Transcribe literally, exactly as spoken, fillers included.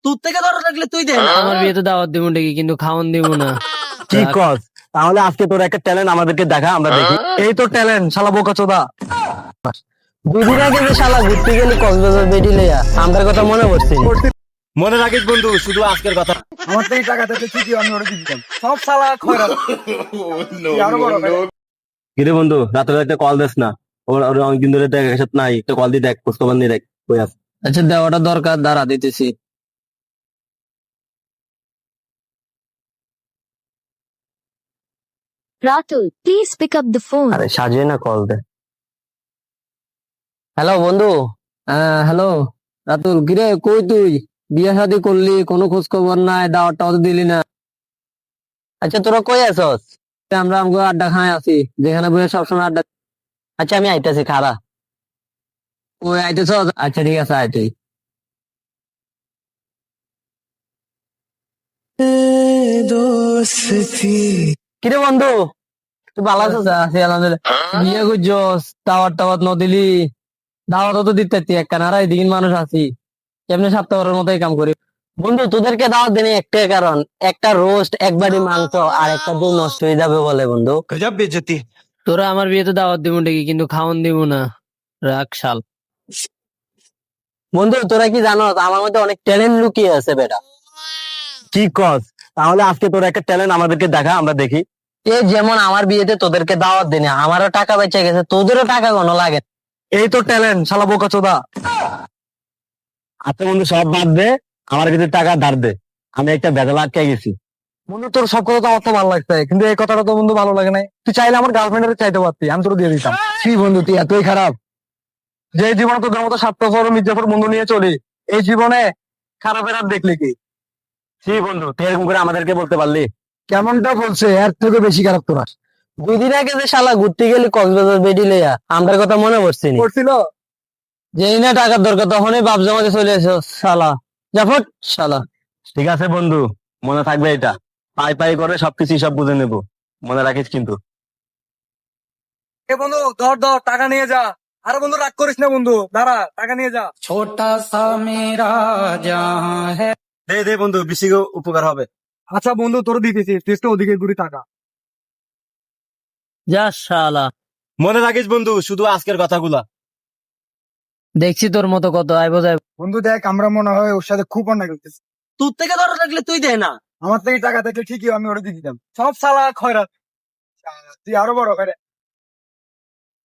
তোর থেকে ধরো থাকলে তুই দে না। আমার বিয়েতে দাওয়াত দিব ঠিকই, কিন্তু খাওয়ান দিব না। কি কস? তাহলে আজকে তোর একটা ট্যালেন্ট আমাদেরকে দেখা, আমরা দেখি। এই তো ট্যালেন্ট, শালা বোকাচোদা। দুদিন আগে যে শালা ঘুরতে গেলি কক্সবাজার বেডি লইয়া, আমার কথা মনে পড়ছে নি? মনে রাখিস বন্ধু, শুধু আজকের কথা। আমার থেকে টাকা থেকে ঠিকই আমি ওরে দিতাম। সব শালা খয়রাত। তুই আরো বড় করে। কিরে বন্ধু, রাতে একটা কল দিস না? ওর ওর অনেকদিন ধরে দেখ একসাথে নাই, একটা কল দিয়ে দেখ, খোঁজ খবর নিয়ে দেখ কই আছে। আচ্ছা দেওয়াটা দরকার, দাঁড়া দিতেছি। Ratul, please pick up the phone. আরে সাজিয়ে না কল দে। হ্যালো বন্ধু। হ্যাঁ হ্যালো রাতুল, কিরে কই তুই? বিয়ে শাদী করলি, কোনো খোঁজ খবর নাই, দাওয়াত টাওয়াত দিলি না। আচ্ছা তোরা কই আছস? আমরা আমগো আড্ডা খাই আছি, যেখানে বসে সবসময় আড্ডা। আচ্ছা আমি আইতাছি, খারা। ওই আইতেছ? আচ্ছা ঠিক আছে, আয় তুই। কিরে বন্ধু, তুই ভালো আছিস? আছি আলহামদুলিল্লাহ। বিয়ে করছস, দাওয়াত টাওয়াত ন দিলি? দাওয়াত তো দিতে পারতি এক কানারা, এদিকে মানুষ আছি, কেমনে সপ্তাহের মতো এই কাম করি। বন্ধু তোদেরকে দাওয়াত দেনে একটাই কারণ, একটা রোস্ট, এক বাড়ি মাংস আর একটা দুধ নষ্ট হয়ে যাবে বলে বন্ধু। গজব বেজতি। তোরা আমার বিয়েতে দাওয়াত দিব ঠিকই, কিন্তু খাওয়ান দিব না। রাখ শাল। বন্ধু তোরা কি জানো, আমার মধ্যে অনেক ট্যালেন্ট লুকিয়ে আছে বেটা। কি কস? তাহলে আজকে তোর একটা ট্যালেন্ট আমাদেরকে দেখা, আমরা দেখি। এ যেমন আমার বিয়েতে তোদেরকে দাওয়াত দিনে আমারও টাকা বেঁচে গেছে, তোদেরও টাকা কোনো লাগে না। এই তো ট্যালেন্ট, শালা বোকাচোদা। আচ্ছা বন্ধু সব বাদ দে, আমার কিছু টাকা ধার দে, আমি একটা বেদলা আটকে গেছি। বন্ধু তোর সব কথা তো আমার তো ভালো লাগছে, কিন্তু এই কথাটা তো বন্ধু ভালো লাগে নাই। তুই চাইলে আমার গার্লফ্রেন্ডের চাইতে পারতি, আমি তোর দিয়ে দিতাম। কি বন্ধু তুই এতই খারাপ? যে জীবনে তোদের মতো স্বার্থপর মির্জাফর বন্ধু নিয়ে চলি, এই জীবনে খারাপের আর দেখলি কি? কি বন্ধু তুই এরকম করে আমাদেরকে বলতে পারলি? কেমনটা বলছে, এর থেকে বেশি খারাপ তোরা। দুই দিন আগে যে শালা ঘুরতে গেলি কক্সবাজার বেডি লইয়া, আমার কথা মনে পড়ছে নি? করছিল যেই না টাকার দরকার তখনই বাপ জমাতে চলে এসো শালা। জাফট শালা। ঠিক আছে বন্ধু, মনে থাকবে এটা। পাই পাই করে সবকিছু সব বুঝে নেবো, মনে রাখিস কিন্তু। এ বন্ধু ধর ধর টাকা নিয়ে যা। আরে বন্ধু রাগ করিস না বন্ধু, দাঁড়া টাকা নিয়ে যা। ছোটা সা মেরা জাহাঁ হ্যায়। দে দে বন্ধু, বেশি উপকার হবে। আচ্ছা বন্ধু তোর দিতেছি, তুই তো ওদিকে ঘুরি টাকা। যা শালা। মনে রাখিস বন্ধু, শুধু আজকের কথাগুলা। দেখছি তোর মতো কত আইবো যাই। বন্ধু দেখ, আমরা মনে হয় ওর সাথে খুব অন্যায় করতেছি। তোর থেকে ধরো থাকলে তুই দে না। আমার থেকে টাকা থাকলে ঠিকই আমি ওরে দিয়ে দিতাম। সব শালা খয়রাত। তুই আরো বড় করে।